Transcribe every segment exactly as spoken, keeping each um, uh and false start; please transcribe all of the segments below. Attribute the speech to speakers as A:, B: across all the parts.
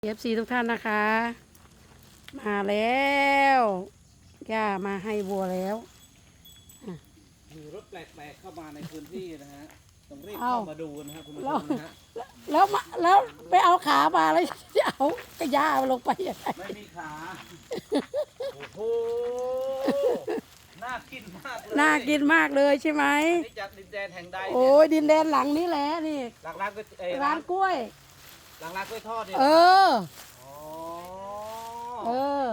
A: เอฟซีทุกท่านนะคะมาแล้วย่ามาให้วัวแล้ว
B: มีรถแปลกๆเข้ามาในพื้นที่นะฮะต้องรีบเข้ามาดูนะครับคุณผู้ชมนะฮะ
A: แล้วมาแล้วไปเอาขามาแล้วจะเอากระย่าลงไปยังไง
B: ไม่มีขาโอ้โหน่ากินมากเลย
A: น่ากินมากเลยใช่ไหม
B: อันนี้จากดินแดนแห่งใด
A: โอ้ยดินแดนหลังนี้แหละนี่
B: หลังร้านก็เอ้ย
A: ร้านกล้วย
B: หลังร้านกล้วยทอดเนี่ย
A: เออ
B: อ๋อ
A: เออ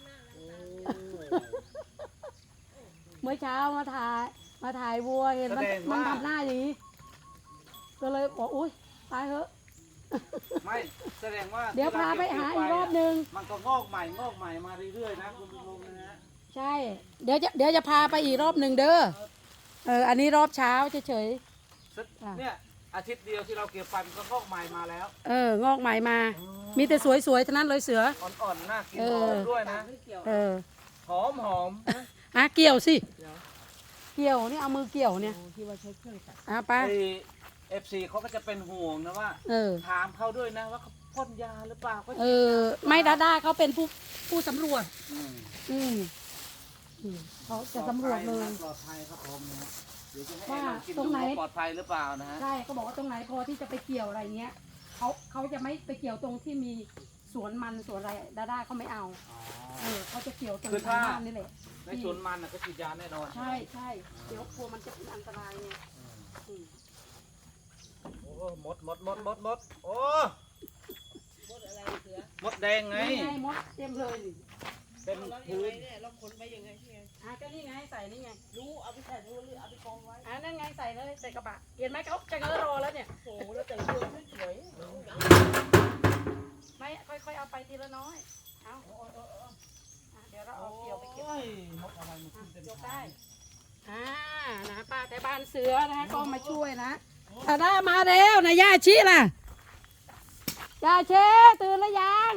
A: เมื่อเช้ามาถ่ายมาถ่ายวัวเห็นมันมันทำหน้าอย่างนี้ก็เลยบอกอุ้ยตายเถอะ
B: ไม่แสดงว่า
A: เดี๋ยวพาไปหาอีกรอบนึง
B: มันก็งอกใหม่งอกใหม่มาเรื่อยๆนะคุณผู้ชมนะฮะ
A: ใช่ เดี๋ยวจะเดี๋ยวจะพาไปอีกรอบหนึ่งเด้อ เออ อันนี้รอบเช้าเฉย ค่ะ
B: เนี่ยอาทิตย์เดียวที่เราเก็บไปมันก็งอกใหม่มาแล้ว
A: ๆ เออ งอกใหม่มา มีแต่สวยๆทั้งนั้นเลยเสือ
B: อ่อนๆน่ากิน
A: เอ
B: ห
A: อ
B: อมด้วยนะ
A: เออ
B: หอมหอม
A: อ่ะเกี่ยวสิ เกี่ยวนี่เอามือเกี่ยวเนี่ยอ่ะไป
B: ไอเอฟซีเขาก็จะเป็นห่วงนะว่า
A: เออ
B: ถามเขาด้วยนะว่าเขาพ่นยาหรือเปล่าเขา
A: เออ ไม่ดาด้าเขาเป็นผู้ผู้สำรวจ
B: อืม
A: อืมอืมเขาจะสำรวจเลย
B: ปลอดภัยครับผมนะฮะเดี๋ยวจะให้
A: ว่า
B: ลองกิน
A: ตร
B: ดู
A: งไหน
B: ว่าปลอดภัยหรือเปล่านะฮะ
A: ใช่เขาบอกว่าตรงไหนพอที่จะไปเกี่ยวอะไรเงี้ยเขาเขาจะไม่ไปเกี่ยวตรงที่มีสวนมันสวนอะไรดาด้าเขาไม่เอา
B: อ๋อ
A: เออเขาจะเกี่ยวตรง
B: คือถ้า
A: บ้านนี่แหละ
B: ในสวนมันน่ะก็ฉีดยาแน่นอน
A: ใช่ใช่เดี๋ยวกลัวมันจะเป็นอันตรายไง
B: อืม
A: อืม
B: โอ้หมดหมดหมดหมดหมดโอ้มดอะไรเสือมดแดงไง
A: นี่ไงมดเต็มเลยนี่
B: เป็นพื้น
C: เราขนไปยังไงที่ไง
A: อ่ะก็นี่ไงใส่นี่ไง
C: รู้เอาไปใส่รู้หรือเอาไปกองไว้
A: อ่ะนั่นไงใส่เลยใส่กระบะเห็นไหมเขาจะเงอรอแล้วเนี่ย
C: โอ้โหแล้วแต่งตัวสวย
A: ไม่ค่อยๆเอาไปทีละน้อยเอาอ่ะเดี๋ยวเราเอาเกี่ยวไปเก็บ
B: โอ้ยมดอะไรมันขึ้นเต็ม
A: ยก
B: ขา
A: ได้อ่านะป้าแต่บ้านเสือนะก็มาช่วยนะตาด้ามาแล้วนะย่าชิล่ะย่าเชตื่นแล้วยัง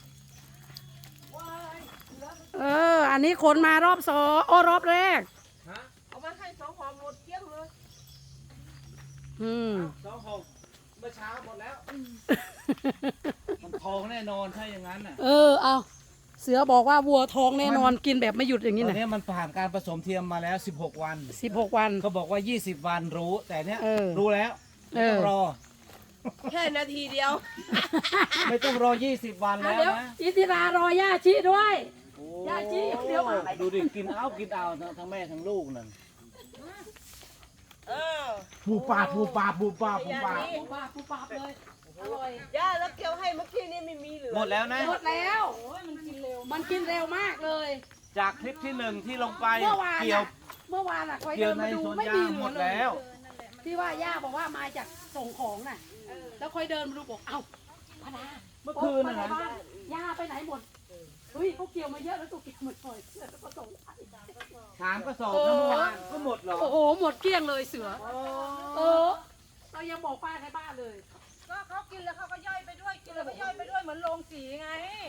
A: เอออันนี้คนมารอบสองโอ้รอบแรก
B: ฮะ
C: เอามาให้สองหอมหมดเกลี้ยงเลย
A: อืม
B: สองหกเมื่อเช้าหมดแล้ว มันทองแน่นอนถ้าอย่างนั้นน่ะ
A: เออเอาเสือบอกว่าวัวท้องแน่นอนกินแบบไม่หยุดอย่างนี้
B: ตอ
A: นะ
B: นนี้มันผ่านการผสมเทียมมาแล้วสิบหกวัน
A: สิบหกวัน
B: เขาบอกว่ายี่สิบวันรู้ แต่เนี้ย
A: เออ
B: รู้แล้ว
A: เอ
B: ไม่
A: อ
B: ต้องรอ
C: แค่นาทีเดียว
B: ไม่ต้องรอยี่สิบวัน
A: อ่ะ
B: แล้ว
A: เดี๋ยว
B: นะ
A: อิทิรารอย่าชิด้วย
B: โอ้
A: ย่าจี้เดี๋ยวมา
B: ดูดิกินเอากินเอาทั้งทั้งแม่ทั้งลูกนั่น
C: เออ
B: ปูปลาปูปลาปูปลาปูปลา
A: ปูปลาปูปลาเลยอร่อย
C: ย่าแล้วเกี่ยวให้เมื่อกี้นี่ไม่มีเหลือ
B: หมดแล้วนะ
A: หมดแล้วมันกินเร็วมันกินเร็วมากเลย
B: จากคลิปที่หนึ่งที่ลงไป
A: เมื่อวาน
B: เกี่ยว
A: อะเมื่อวานอะคอย
B: เกี่
A: เดิ
B: ยวน ใน
A: มาดู
B: สวน
A: ไม่
B: ยา
A: มี
B: ง
A: เหลื
B: หม
A: อ
B: ด
A: เล
B: แล้
A: ยว ที่ว่าย่าบอกว่ามาจากส่งของน่ะแล้วคอยเดินมาดูบอกเอ้าพนา
B: เมื่อคืนน่ะนะ
A: บ้าย่าไปไหนหมดเฮ้ยเขาเกี่ยวมาเยอะแล้วตัวเกี่ยวหมดเลยแล้วก็ส่งไป
B: สามกระสอบทั้งวันก็หมดเหรอ
A: โอ้โหหมดเกลี้ยงเลยเสือเออเรายังบอกป้าในบ้านเลย
C: ก็เขากินแล้วเขาก็ย่อยไปด้วยกินแล้วก็ย่อยไปด้วยเหมือนโรงสีไง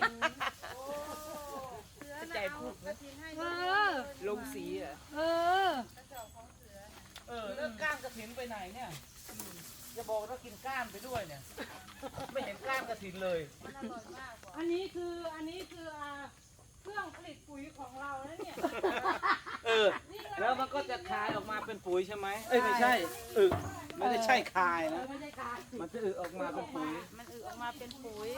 C: ใจพูด
A: เออ
C: โรงสีอ่ะ
A: เออ
B: เออแล้วก้านกระถินไปไหนเนี่ยจะบอกว่ากินก้านไปด้วยเนี่ย ไม่เห็นก้านกระถินเลย
A: อันนี้คืออันนี้คืออ่าเครื่องผลิตปุ๋ยของเรานะเนี่ย
B: เออ แล้วมันก็จะคายออกมาเป็นปุ๋ยใช่ไหมเอ้ยไม่ใช่อึไม่ได้ใช่คายนะ
A: ไม่ใช่การ
B: มันจะอึออกมาเป็นปุ๋ย
C: มันอึออกมาเป็นปุ๋ย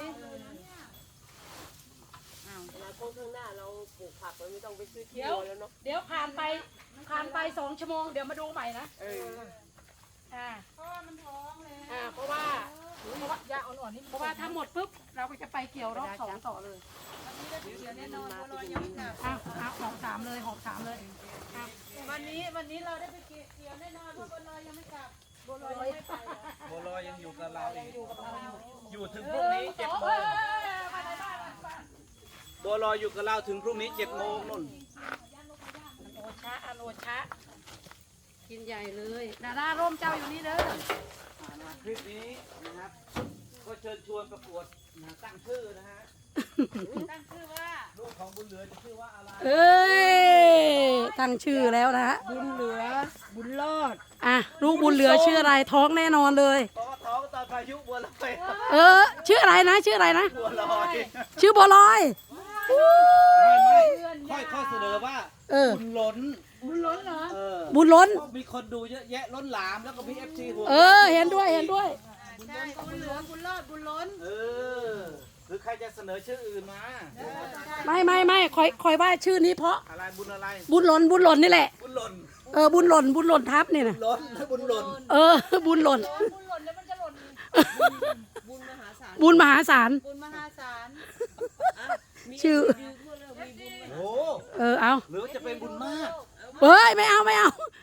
C: อนาคตข้างหน้าเราปลูกผักเราไม่ต้องไปซื้อที่
A: เดี๋ยว
C: แล้วเนาะ
A: เดี๋ยวผ่านไปผ่านไปสองชั่วโมงเดี๋ยวมาดูใหม่นะ
C: เออ
A: อ่าเพราะว่ามันท้องเลยอ่าเพราะว่าเพราะว่ายาอ่อนๆนี่เพราะว่าถ้าหมดปุ๊บเราก็จะไปเกี่ยวรอบสองต่อเลย
C: แน่นอนบัวลอยยังไม่กลับ
A: อ้าวอ้าวหอบสามเลยหอบสามเลยอ้าว
C: วันนี้วันนี้เราได้ไปเกี่ยวแน่นอนเพราะบัวลอยยังไม่กลับบัวลอยยังไม่ไปอ่ะ
B: บัวลอยยังอยู่กับเราอีก
A: อยู่กับเราอยู่
B: อยู่ถึง
A: เอ
B: พรุ่ง
A: อ
B: นี้เจ็ด
A: สอง
B: โม
A: เอง อมาในบ้านมาในบ้าน
B: บัวลอยอยู่กับเราถึงพรุ่งนี้เจ็ดโมงนุ่น
A: โอชะอโนชะกินใหญ่เลยดาดาร่มเจ้าอยู่นี่เด้อ
B: อ่านะคลิปนี้นะครับ ก็เชิญชวนประกวดนะตั้งชื่อนะฮะ
C: ตั้งชื่อว่า
B: ลูกของบุญเหลือจะชื่อว่าอะไร
A: เอ้ยตั้งชื่อแล้วนะฮะ
C: บุญเหลือบุญรอด
A: อ่ะลูกบุญเหลือชื่ออะไรท้องแน่นอนเลย
B: เพราะว่าท้องตอนผพายุบัวลอย
A: เออ ชื่ออะไรนะ ชื่ออะไรนะ
B: บัวลอย
A: ชื่อบัวลอย
B: ไม่ไม่ค่อยค่อยเสนอว่า
A: เออ
B: บุญล้น
C: บุญล้นเหรอ
B: เออ
A: บุญล้น
B: เพราะมีคนดูเยอะแยะล้นหลามแล้วก็มีเอฟซีหัว
A: เออ เห็นด้วยเห็นด้วย
C: ใช่บุญเหลืองบุญรอดบุญล้น
B: เออหรือใครจะเสนอชื่ออื่นมา
A: ไม่ไม่ไม่คอยคอยว่าชื่อนี้เพราะ
B: อะไรบุญอะไร
A: บุญหล่นบุญหล่นนี่แหละ
B: บุญหล่น
A: เออบุญหล่นบุญหล่นทับนี่นะ
B: ล้นบุญหล่น
A: เออ บุญหล่น
C: บุญหล่นแล้วมันจะหล่นบุญมหาศาล
A: บุญมหาศาล
C: บุญมหาศาล
A: ชื่อ
B: โอ้
A: เออเอา
B: หรือว่าจะเป็นบุญมาก
A: เฮ้ยไม่เอาไม่เอา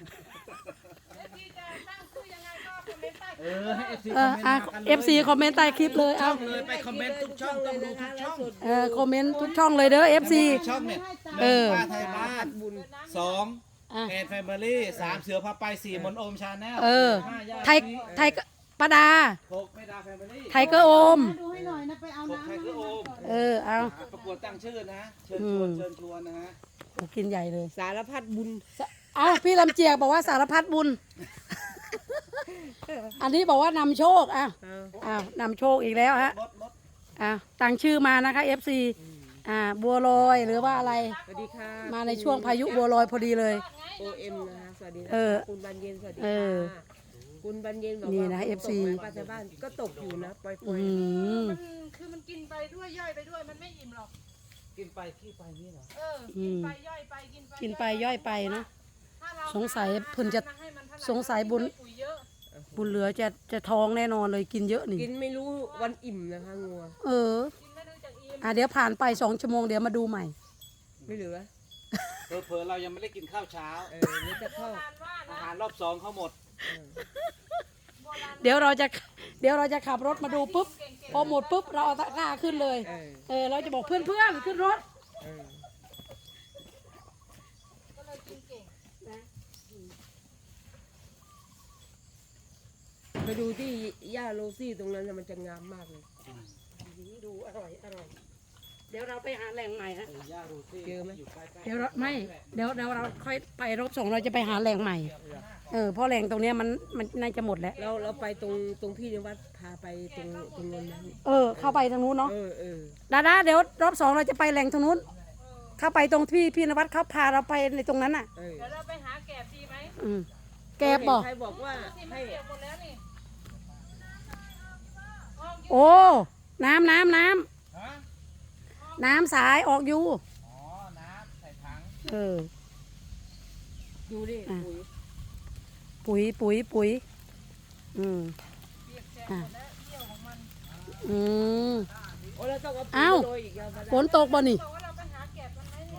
B: เออให้เอฟซี
A: เอออ่ะเอฟซีคอมเมนต์ใต้คลิปเลย
B: ช่
A: เอา
B: องเลยไปคอมเมนต์ทุกช่องต้องดูทุกช่อง
A: เออคอมเมนต์ทุกช่องเลยเด้อเอฟซี
B: ช่องเนี่ย
A: เออ
B: ป้าไทยบ้านสอง
A: อ่ะ
B: แอนแฟมิลี่สามเสือพาไปสี่มนโอมชาแนล
A: เออ
B: ห้าญาติ
A: ไทยไทยปาดา
B: หกไม่ดาแฟมิลี่
A: ไทเกอร์โอม
C: ดูให้หน่อยนะไปเอา
B: หก
C: น้ำ
B: ไทยคือโอม
A: เออเอา
B: ประกวดตั้งชื่อนะ เชิญชวน
A: อืม
B: เชิญชวนนะฮะ
A: โอ้กินใหญ่เลย
C: สารพัดบุญ
A: เอาพี่ลำเจียกบอกว่าสารพัดบุญ อันนี้บอกว่านำโชคอ่ะอ้าวนำโชคอีกแล้วฮะ
B: รถรถ
A: อ่ะตั้งชื่อมานะคะ เอฟ ซี อ่าบัวลอยหรือว่าอะไร
D: สวัสดีค่ะ
A: มาในช่วงพายุบัวลอยพอดีเลย
D: โอเอ็มนะคะสวัสดีนะ
A: เออ
D: คะคุณบันเย็นสวัสดี
A: เอ
D: ค่ะ
A: อ
D: คุณบันเย็นบอก
A: นี่
D: ว่า
A: นะ
D: ฝ
A: เอฟซี
D: ตกไหมป้าชาวบ้านก็ตกอยู่นะปล่อย
A: อืม
C: มันคือมันกินไปด้วยย่อยไปด้วยมันไม่อิ่มหรอก
B: กินไปขี้ไปนี่เหรอ
C: เออกินไปย่อยไปกินไป
A: กินไปย่อยไปเนาะ
C: ถ้าเรา
A: สงสัยเพิ่นจะ
C: ให้มันเท่าไหร่
A: สงสัยบุญ
C: ปุ๋ยเยอะ
A: บุญเหลือจะจะท้องแน่นอนเลยกินเยอะนี่
D: ๆกินไม่รู้วันอิ่มนะคะงัว
A: เออ
C: กินไม่รู้จักอิ่ม
A: อ่ะเดี๋ยวผ่านไปสองชั่วโมงเดี๋ยวมาดูใหม่
D: ไม่เหลือ
B: เผลอๆเรายังไม่ได้กินข้าวเช้า
D: เออนี่จะเข้า
C: การว่า
B: อา
C: นะ
B: หารรอบสองเขาหมด
A: เดี๋ยวเราจะเดี๋ยวเราจะขับรถมาดูปุ๊บพอหมดปุ๊บเราเอาตะกร้าขึ้นเลย
D: เออ
A: เออเราจะบอกเพื่อนๆขึ้นรถ
D: เออ
C: ก็เลยกินเก่ง
D: ไปดูที่ย่าโรซี่ตรงนั้นน่ะมันจะงามมากเลย
A: ดูอร่อยอร่อยเดี๋ยวเราไปหาแหล่งใหม่ฮะ
B: เออย่าดูสิ
D: เจอไหม
B: อยู่ใกล้ๆ
A: เดี๋ยวเราไม่เดี๋ยวเดี๋ยวเราค่อยไปรอบสองเราจะไปหาแหล่งใหม่เออเพราะแหล่งตรงเนี้ยมันมันน่าจะหมดแล้ว
D: เราเราไปตรงตรงพี่ในวัดพาไปตรงตรงนั้นนะ
A: เออเข้าไปทางนู้นเนาะ
D: เออเออ
A: ดาดาเดี๋ยวรอบสองเราจะไปแหล่งทางนู้นเข้าไปตรงที่พี่นวัดเขาพาเราไปในตรงนั้นอ่ะ
D: เออ
C: เดี๋ยวเราไปหาแกบดีไหม
A: อืมแกบบอก
D: ใครบอกว่า
C: ที่มัน
D: ให้
C: เปียกหมดแล้วนี่
A: โอ้น้ำน้ำน้ำ
B: ฮะ
A: น้ำสายออกอยู่
B: อ๋อ น้ำใส่ถัง
A: เออ
D: ดูดิ
A: อ่ะ
D: ปุ๋ย
A: ปุ๋ยปุ๋ยปุ๋ยอืม
C: เปียกแฉะ
A: อ่ะ
C: หมดแล้วเที่ยวของมัน
A: อืม
D: โอ้เราต้องเอา
A: เอ้า
D: ปุ๋ยโรยอีกแล้วมา
A: ฝนตกบ่นี่
C: บอกว่าเราไปหาแกบกันไหมนี่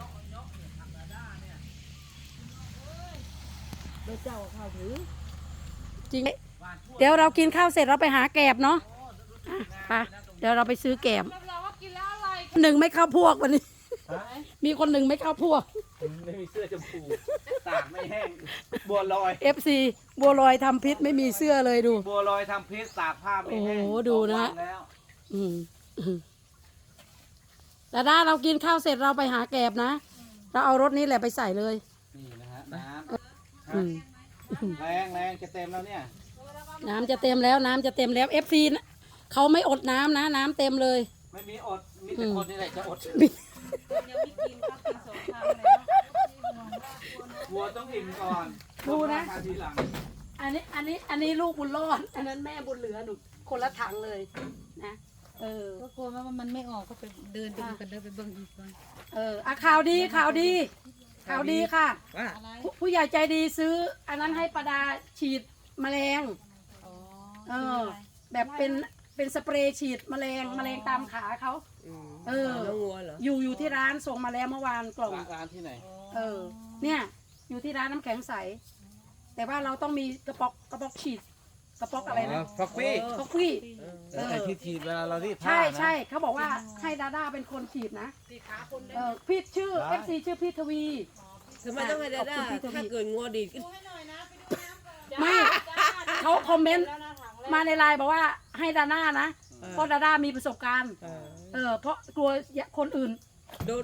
D: แล้วเจ้าเอาข้าวถือ
A: จริงเดี๋ยวเรากินข้าวเสร็จเราไปหาแกบเนาะอ่ะไปเดี๋ยวเราไปซื้อแกบ
C: รับรองว่ากินแล้วอร่อย
A: หนึ่งไม่เข้าพวกวันนี้
B: ฮะ
A: มีคนหนึ่งไม่เข้าพวก
B: ไม่มีเสื้อชมพูตากไม่แห้ง บัวลอย
A: เอฟซีบัวลอยทำพิษไม่มีเสื้อเลยดู
B: บัวลอยทำพิษตากผ้าไม่แห้ง
A: โอ้โหดูนะ
B: สองวัแล้ว
A: อืมอืมดาดาเรากินข้าวเสร็จเราไปหาแกบนะ เราเอารถนี้แหละไปใส่เลย
B: นี่นะฮะ น้
A: อืม
B: ำแรงแรงจะเต็มแล้วเนี่ย
A: น้ำจะเต็มแล้วน้ำจะเต็มแล้วเอฟซีเขาไม่อดน้ำนะ น้ำเต็มเลย
B: ไม่มีอด มีแต่คนนี่แหละจะอด
A: มี
C: ยังไม่กินก็กินสองครั้งแล้ว
B: วัวต้องอิ่มก่อน
A: ดูนะ
B: ทานทีหลัง
A: อันนี้อันนี้อันนี้ลูกบุญรอด อันนั้นแม่บุญเหลือหนูคนละถังเลยนะเออ
C: ก็กลัวว่ามันไม่ออกก็ไปเดินไปดูกันเดินไปเบิ่งอีกก่อน
A: เอออ่ะข่าวดีข่าวดีข่าวดีค่ะ
D: ว่า
C: อะไร
A: ผู้ผู้ใหญ่ใจดีซื้อ อันนั้นให้ประดาฉีดแมลง
C: อ๋อ
A: เออ แบบเป็นเป็นสเปรย์ฉีดแมลงแมลงตามขาเขา
D: อืม
A: เออ
D: น้องงัวเหรอ
A: อยู่อยู่ที่ร้านส่งมาแล้วเมื่อวานกล่อง
B: ร้านร้านที่ไหน
A: เออ เนี่ย อยู่ที่ร้านน้ำแข็งใส แต่ว่าเราต้องมีกระป๋องกระป๋องฉีด กระป๋องอะไรนะ
B: ฟอกฟี่
A: กาแฟ
B: แต่ไอ้ที่ฉีดเวลาเรารีดผ้า
A: ใช่
B: นะ
A: ใช่เขาบอกว่าให้ดาด้าเป็นคนฉีดนะ
C: สีขาคนเดิ
A: เออพี่ชื่อ
B: ได้
A: เอฟซีชื่อพี่ทวี
D: ทำไมต้องให้ดาด้า
A: ขอบคุณพี่ทวี
D: ถ้าเกิดงัวดีดขึ้น
C: ให้หน่อยนะไปดูน้ำก่อน
A: ไม่เขาคอมเมนต์
C: แล้วนะถังแรก
A: มาในไลน์บอกว่าให้ดาด้านะ
D: เออ
A: เพราะดาด้ามีประสบการณ์
D: เออ
A: เออ เพราะกลัวคนอื่น
D: โดน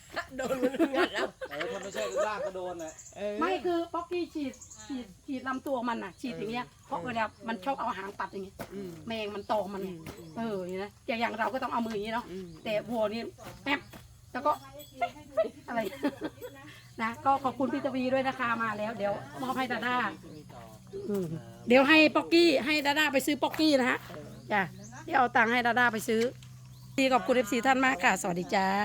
D: โดนมันงัดเอา
B: เออถ้าไม่ใช่ลากก็โดนแหละ
D: เออ
A: ไม่คือป๊อกกี้ฉีดฉีดฉีดลำตัวมันน่ะ ฉีดอย่างเงี้ยเพราะเวลามันชอบเอาหางปัดอย่างเงี้ย
D: อืม
A: แมงมันตอมมันไงเอออย่างนี้นะอย่างอย่างเราก็ต้องเอามืออย่างนี้เนาะ
D: อืม
A: แต่วัวนี่แป๊บแล้วก็อะไร นะก็ขอบคุณพี่ตวีด้วยนะคะมาแล้ว เดี๋ยวมอบให้ดาด้าอืมเดี๋ยวให้ป๊อกกี้ให้ดาด้าไปซื้อป๊อกกี้นะฮะจ้ะเดี๋ยวเอาตังค์ให้ดาด้าไปซื้อดีขอบคุณเอฟซีท่านมากค่ะ สวัสดีจ้า